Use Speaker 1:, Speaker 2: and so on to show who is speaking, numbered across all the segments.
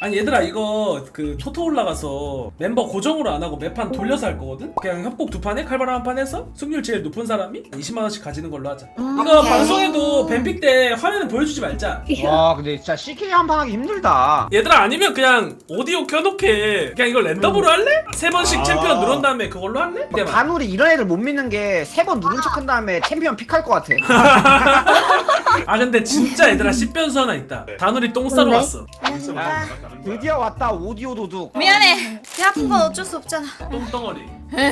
Speaker 1: 아니 얘들아 이거 그 토토 올라가서 멤버 고정으로 안 하고 매판 돌려서 할 거거든? 그냥 협곡 2판에 칼바람 한 판 해서 승률 제일 높은 사람이 20만원씩 가지는 걸로 하자. 이거
Speaker 2: 오케이.
Speaker 1: 방송에도 뱀픽 때 화면은 보여주지 말자.
Speaker 3: 와 근데 진짜 CK 한 판 하기 힘들다.
Speaker 1: 얘들아 아니면 그냥 오디오 켜놓게 그냥 이걸 랜덤으로 할래? 3번씩 챔피언 누른 다음에 그걸로 할래?
Speaker 3: 막 단우리 이런 애들 못 믿는 게 3번 누른 척 한 다음에 챔피언 픽할 것 같아.
Speaker 1: 아 근데 진짜 얘들아 10변수 하나 있다. 다누리 똥 싸러
Speaker 2: 뭔데?
Speaker 1: 왔어.
Speaker 3: 드디어 왔다 오디오 도둑.
Speaker 2: 미안해. 배 아픈 건 어쩔 수 없잖아.
Speaker 1: 똥덩어리.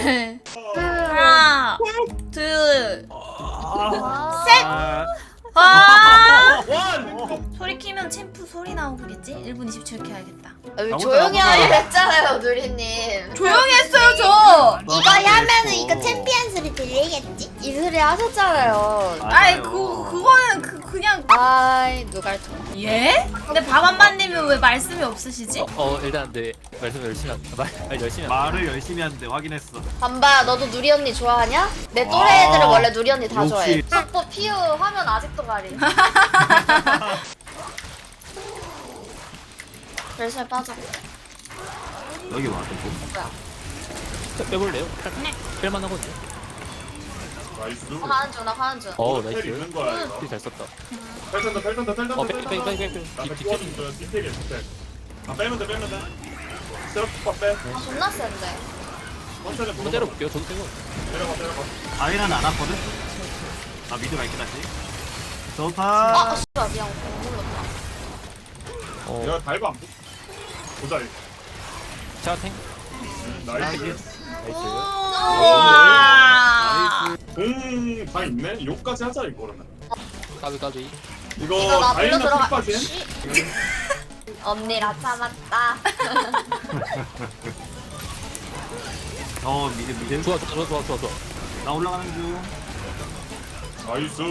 Speaker 2: 하나, 둘,
Speaker 1: 아...
Speaker 2: 셋.
Speaker 3: 아,
Speaker 2: 아!
Speaker 1: 원!
Speaker 2: 소리 키면 챔프 소리 나오겠지? 1분 27초 해야겠다.
Speaker 4: 조용히 하기로 했잖아요, 누리님.
Speaker 2: 조용히 했어요, 저.
Speaker 4: 이거 하면은 이거 챔피언 소리 들리겠지? 이 소리 하셨잖아요.
Speaker 2: 아이, 그거는 그냥.
Speaker 4: 아이, 누가 통.
Speaker 2: 예? 근데 밥안반님은 왜 말씀이 없으시지?
Speaker 5: 일단 네 말씀 열심히 말 열심히
Speaker 6: 말을 열심히 하는데 확인했어.
Speaker 4: 반바야, 너도 누리 언니 좋아하냐? 내 또래 애들은 원래 누리 언니 다
Speaker 6: 역시.
Speaker 4: 좋아해. sakpo 피우 화면 아직도 가리. 열심히 빠져.
Speaker 6: 여기 와.
Speaker 4: 뭐야?
Speaker 5: 빼볼래요? 뺄만 하거든요.
Speaker 7: 나이스.
Speaker 4: 가는 중, 나 가는 중.
Speaker 5: 나이스.
Speaker 7: 있는 거야 이거.
Speaker 5: 잘 썼다.
Speaker 7: 펠턴다 펠턴다 펠턴다.
Speaker 5: 빼.
Speaker 7: 나가 끼워준 거야. 디테일이야 디테일. 아 빼면 돼 빼면 돼. 세로파 빼.
Speaker 4: 아, 존나 센데.
Speaker 7: 천천히
Speaker 5: 한번 때려볼게요. 저도 빼고.
Speaker 7: 내려가.
Speaker 6: 아이란 안 왔거든? 나 미드 갈게 다시.
Speaker 4: 아,
Speaker 6: 좋다.
Speaker 4: 씨발, 미안. 못 눌렀다.
Speaker 7: 내가 달고 안 보자 이거.
Speaker 5: 제가 탱.
Speaker 7: 나이스.
Speaker 5: 나이스.
Speaker 2: 우와.
Speaker 7: 공다 있네. 욕까지 하자 이거 그러면.
Speaker 5: 까비.
Speaker 4: 이거
Speaker 7: 이거
Speaker 4: 나
Speaker 7: 다이나
Speaker 4: 불러 들어가.
Speaker 7: 픽까지.
Speaker 4: 씨. 언니라 참았다.
Speaker 6: 미드.
Speaker 5: 좋아.
Speaker 6: 나 올라가는 중.
Speaker 7: 나이스.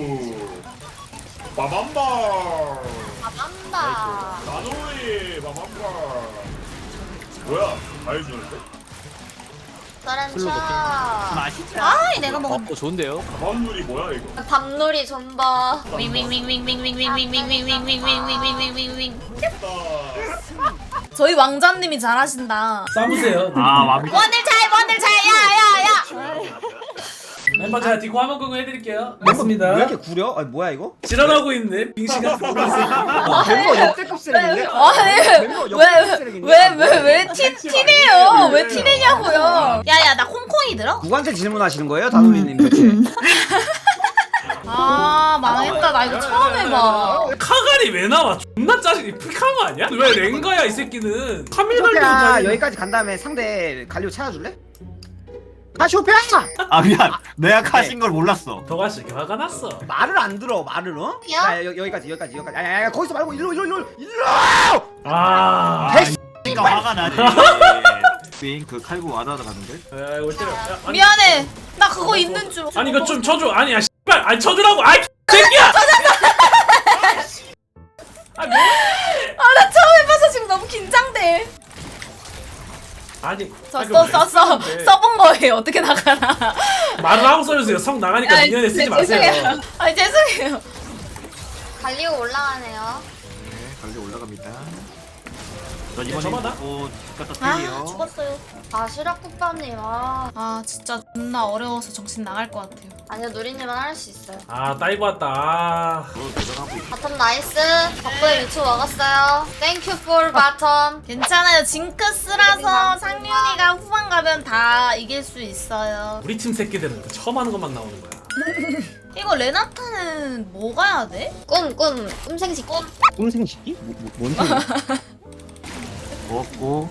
Speaker 7: 바밤바.
Speaker 4: 아, 맘다.
Speaker 7: 나노리 바밤바. 뭐야? 나이스는데?
Speaker 4: 서렌차.
Speaker 6: 맛있다.
Speaker 2: 아이, 내가 먹은.
Speaker 5: 좋은데요?
Speaker 7: 바밤누리 뭐야 이거?
Speaker 4: 밤놀이 존버.
Speaker 2: 윙윙윙윙윙윙윙윙윙윙윙윙윙윙윙윙윙윙윙.
Speaker 7: 나
Speaker 2: 저희 왕자님이 잘하신다.
Speaker 1: 싸우세요.
Speaker 6: 와미.
Speaker 2: 원을 잘, 야야야.
Speaker 1: 멤버 제가 디코 화면 공유 해드릴게요.
Speaker 3: 왜
Speaker 1: 맞습니다.
Speaker 3: 이렇게 구려? 아니 뭐야 이거?
Speaker 1: 지랄하고 있네. 빙시 같은 거.
Speaker 3: 멤버 역대급 쓰레기인데?
Speaker 2: 아니,
Speaker 3: 멤버 역대급 쓰레기인데?
Speaker 2: 왜 티내요? 왜 티내냐고요? 야야, 나 콩콩이 들어?
Speaker 3: 누구한테 질문하시는 거예요, 다누리님 대체?
Speaker 2: 아, 망했다. 나 이거 처음 해봐.
Speaker 1: 카갈이 왜 나와? 존나 짜증이 픽한 거 아니야? 왜 랭가야 이 새끼는? 카밀 갈려
Speaker 3: 쇼피야
Speaker 1: 다니.
Speaker 3: 여기까지 간 다음에 상대 갈리오 찾아줄래? 아 쇼피야!
Speaker 6: 아 미안. 내가 카신 걸 몰랐어.
Speaker 1: 더가씨 화가 났어.
Speaker 3: 말을 안 들어 말을 어?
Speaker 4: 야?
Speaker 3: 여기까지. 야 거기서 말고 일로.
Speaker 1: 아.
Speaker 6: 그러니까 화가 나지. 그 칼고 와다다 가는데.
Speaker 1: 야, 올 때려. 야, 아니,
Speaker 2: 미안해. 나 그거 있는 줄.
Speaker 1: 아니 이거 좀 쳐줘. 아니야 씨발. 아니 쳐주라고. 아이 새끼야. 아 뭐?
Speaker 2: 아, 나 처음 해봐서 지금 너무 긴장돼.
Speaker 1: 아니.
Speaker 2: 써본 거예요. 어떻게 나가나.
Speaker 1: 말을 하고 써주세요. 성 나가니까 미연에 쓰지 마세요.
Speaker 2: 죄송해요. 아니, 죄송해요.
Speaker 4: 갈리오 올라가네요.
Speaker 6: 네, 갈리 올라갑니다. 저
Speaker 1: 저마다?
Speaker 6: 이번에 갖다
Speaker 2: 아,
Speaker 6: 틀리요.
Speaker 2: 죽었어요.
Speaker 4: 아, 시락국밥님.
Speaker 2: 아, 진짜 존나 어려워서 정신 나갈 것 같아요.
Speaker 4: 아니요, 누리님은 할 수 있어요.
Speaker 1: 아 따이고 왔다. 아.
Speaker 6: 들어가고 있어.
Speaker 4: 바텀 나이스. 덕분에 유튜브 먹었어요. 땡큐 for 바텀.
Speaker 2: 괜찮아요. 징크스라서 상윤이가 후반 가면 다 이길 수 있어요.
Speaker 1: 우리 팀 새끼들은 그 처음 하는 것만 나오는 거야.
Speaker 2: 이거 레나타는 뭐 가야 돼?
Speaker 4: 꿈생식.
Speaker 3: 꿈생식이? 뭔 소리야?
Speaker 6: 먹고.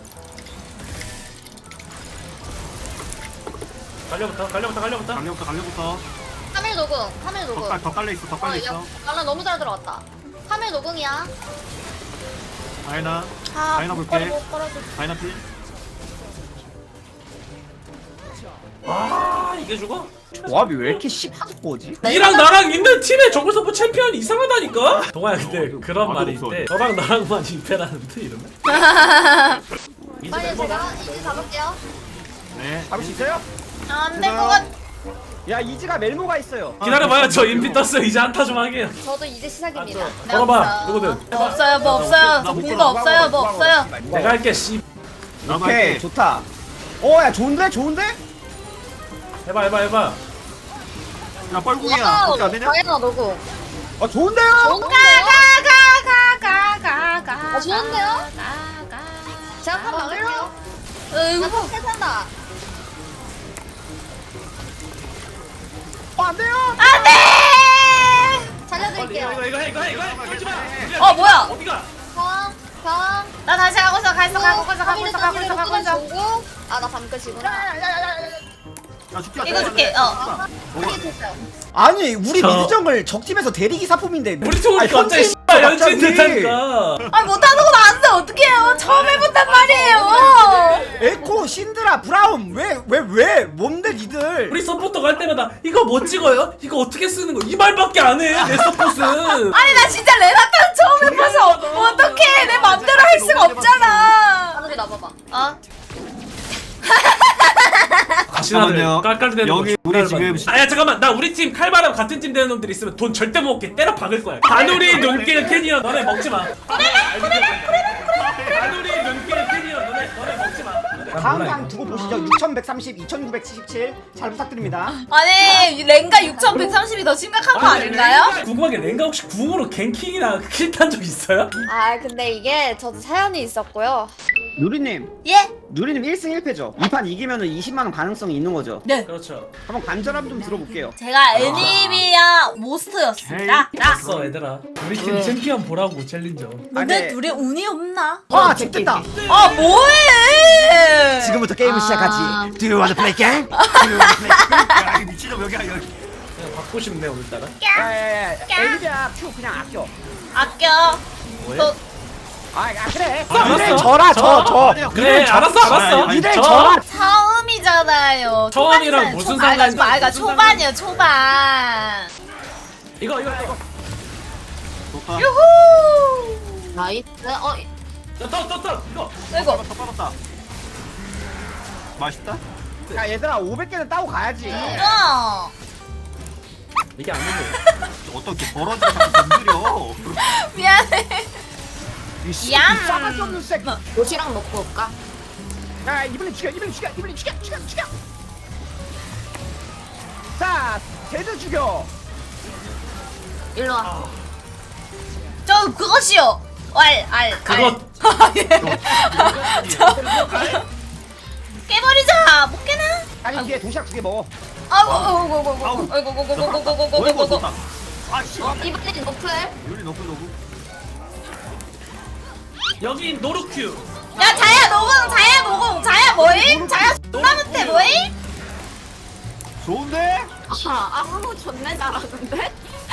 Speaker 1: 갈려부터.
Speaker 6: 갈려부터.
Speaker 4: 카밀 노궁. 카밀 노궁.
Speaker 6: 더 깔려 있어. 더 깔려 있어.
Speaker 4: 나는 너무 잘 들어갔다. 카밀 노궁이야.
Speaker 6: 다이나.
Speaker 2: 아,
Speaker 6: 다이나 볼게.
Speaker 2: 못 걸어줘.
Speaker 6: 다이나 필.
Speaker 1: 아 이게 죽어?
Speaker 3: 조합이 왜 이렇게 씹하게 꼬지?
Speaker 1: 니랑 나랑 있는 팀의 정글 서포 챔피언이 이상하다니까? 동아야 근데 그런
Speaker 6: 아,
Speaker 1: 말이
Speaker 6: 너무
Speaker 1: 있대. 너랑 나랑만 임페라는데 이러면?
Speaker 4: 빨리 제가 이제 잡을게요.
Speaker 6: 네.
Speaker 3: 잡을 수 있어요?
Speaker 2: 안 될 것 같.
Speaker 3: 야 이지가 멜모가 있어요.
Speaker 1: 기다려봐요. 저 인피 떴어요. 이제 한타 좀 하게요.
Speaker 4: 저도 이제 시작입니다.
Speaker 1: 걸어봐. 누구든.
Speaker 2: 뭐 없어요 뭐 없어요 저 공도 없어요 뭐 없어요.
Speaker 1: 내가 할게. 씨.
Speaker 6: 나도
Speaker 3: 오케이
Speaker 6: 할게.
Speaker 3: 좋다. 야 좋은데 좋은데?
Speaker 1: 해봐.
Speaker 6: 야 뻘궁이야. 그렇게 안 되냐?
Speaker 4: 다행이다 너고.
Speaker 3: 좋은데요?
Speaker 2: 가가가가가가가.
Speaker 4: 좋은데요? 제가 한번 막을게요.
Speaker 2: 으이구.
Speaker 4: 나 세산다.
Speaker 3: 안돼요.
Speaker 2: 안돼.
Speaker 4: 살려드릴게요.
Speaker 1: 이거 하지 마.
Speaker 2: 뭐야?
Speaker 1: 어디가?
Speaker 4: 경.
Speaker 2: 나 다시 가고 있어 가고 있어.
Speaker 4: 아나 밤끝이구나.
Speaker 6: 야 죽자.
Speaker 2: 이거 줄게.
Speaker 4: 이게 됐어요.
Speaker 3: 아니 우리
Speaker 1: 저-
Speaker 3: 미드정글 적팀에서 대리기 사품인데
Speaker 1: 우리 팀
Speaker 3: 아니,
Speaker 1: 갑자기
Speaker 3: 현진
Speaker 1: 씨발 연진
Speaker 3: 갑자기.
Speaker 1: 됐다니까.
Speaker 2: 아 못하는 건 안 돼. 어떡해요? 처음 해본단 말이에요.
Speaker 3: 에코 신드라 브라움 왜 뭔데 니들?
Speaker 1: 우리 서포터 갈 때마다 이거 뭐 찍어요? 이거 어떻게 쓰는 거? 이 말밖에 안 해. 내 서폿은.
Speaker 2: 아니 나 진짜 레나타는 처음 해봐서 어떡해. 내 맘대로 할 수가 없잖아.
Speaker 4: 하늘이 나봐봐.
Speaker 1: 가시나들 깔깔대는
Speaker 6: 여기 우리 지금
Speaker 1: 아야 잠깐만 나 우리 팀 칼바람 같은 팀 되는 놈들 있으면 돈 절대 못 먹게 때려 박을 거야. 다누리 눈길 캐니언 너네 먹지 마. 다누리 눈길 캐니언 너네 먹지 마.
Speaker 3: 다음 강 두고 보시죠. 6130, 2977 잘 부탁드립니다.
Speaker 2: 아니 랭가 6130이 더 심각한 거 아닌가요?
Speaker 1: 궁금한 게 랭가 혹시 궁으로 갱킹이나 킬 탄 적 있어요?
Speaker 4: 아 근데 이게 저도 사연이 있었고요.
Speaker 3: 누리님
Speaker 2: 예?
Speaker 3: 누리님 1승 1패죠. 이 판 이기면은 20만원 가능성이 있는 거죠.
Speaker 2: 네.
Speaker 1: 그렇죠.
Speaker 3: 한번 간절함 좀 들어볼게요.
Speaker 2: 제가 애니비아 모스트였습니다.
Speaker 1: 됐어 얘들아. 우리 팀 챔피언 보라고 챌린저.
Speaker 2: 근데
Speaker 3: 네.
Speaker 2: 둘이 운이 없나?
Speaker 3: 됐다.
Speaker 2: 아 뭐해?
Speaker 3: 지금부터 게임을 시작하지. Do you want to play game?
Speaker 6: 야 이거 미친놈 여기야 여기.
Speaker 1: 그냥 받고 싶네 오늘따라.
Speaker 3: 야야야 엘리자 큐 그냥 아껴.
Speaker 2: 아껴. 또
Speaker 3: 그래.
Speaker 1: 알았어.
Speaker 3: 니들 져라 져.
Speaker 1: 그래 알았어.
Speaker 3: 니들
Speaker 1: 저-
Speaker 3: 져라.
Speaker 2: 처음이잖아요.
Speaker 1: 처음이랑
Speaker 2: 초반이잖아요.
Speaker 1: 무슨
Speaker 2: 초반.
Speaker 1: 상관이-
Speaker 2: 그러니까
Speaker 1: 무슨
Speaker 2: 초반이요 초반.
Speaker 1: 이거.
Speaker 6: 좋다.
Speaker 2: 유후.
Speaker 4: 나이스.
Speaker 1: 떴 이거.
Speaker 2: 이거.
Speaker 6: 빠졌다. 맛있다.
Speaker 3: 야 얘들아 500개는 따고 가야지.
Speaker 2: 이거.
Speaker 1: 이게 안 되네.
Speaker 6: 어떻게 벌어지는 건드려.
Speaker 2: 미안해. 얌.
Speaker 3: 싸가지 없는 새끼.
Speaker 4: 도시락 놓고 올까?
Speaker 3: 야 이번에 죽여. 자 제주 죽여.
Speaker 4: 일로 와.
Speaker 2: 저 그것이요.
Speaker 1: 그것.
Speaker 2: 깨버리자. 못 깨나?
Speaker 3: 아니 뒤에 도시락 2개 먹어.
Speaker 6: 어이구 좋다. 아 씨.
Speaker 4: 이번엔 노플.
Speaker 6: 요리 너프.
Speaker 1: 여기 노루큐.
Speaker 2: 야 자야 노공 자야 뭐임? 자야 존나 못해 뭐임?
Speaker 6: 좋은데?
Speaker 4: 아무 존내 잘하는데?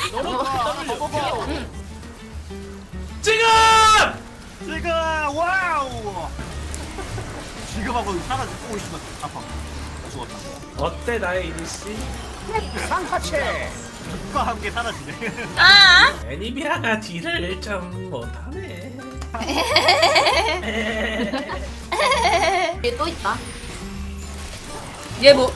Speaker 1: 지금.
Speaker 6: 지금 와우. 지금 하고 사라지고 있으면 아파. 죽었다.
Speaker 1: 어때 나의 이니씨?
Speaker 3: 상파체.
Speaker 6: 국과 함께 사라지네.
Speaker 2: 아
Speaker 1: 애니비아가 딜을 좀 못하네.
Speaker 4: 얘 또 있다.
Speaker 2: 얘 뭐?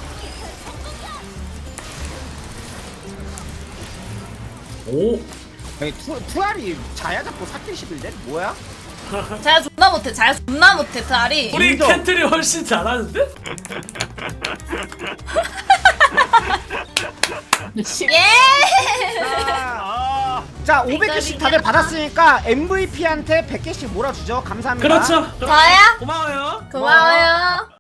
Speaker 1: 오.
Speaker 3: 아니 투알이 자야 잡고 사킬 11대 뭐야?
Speaker 2: 자야 존나 못해 트알이.
Speaker 1: 우리
Speaker 3: 인정.
Speaker 1: 캔틀이 훨씬 잘하는데?
Speaker 2: 예.
Speaker 3: 자 500개씩 다들 받았으니까 MVP한테 100개씩 몰아주죠. 감사합니다.
Speaker 1: 그렇죠.
Speaker 2: 저야?
Speaker 1: 고마워요.
Speaker 2: 고마워요.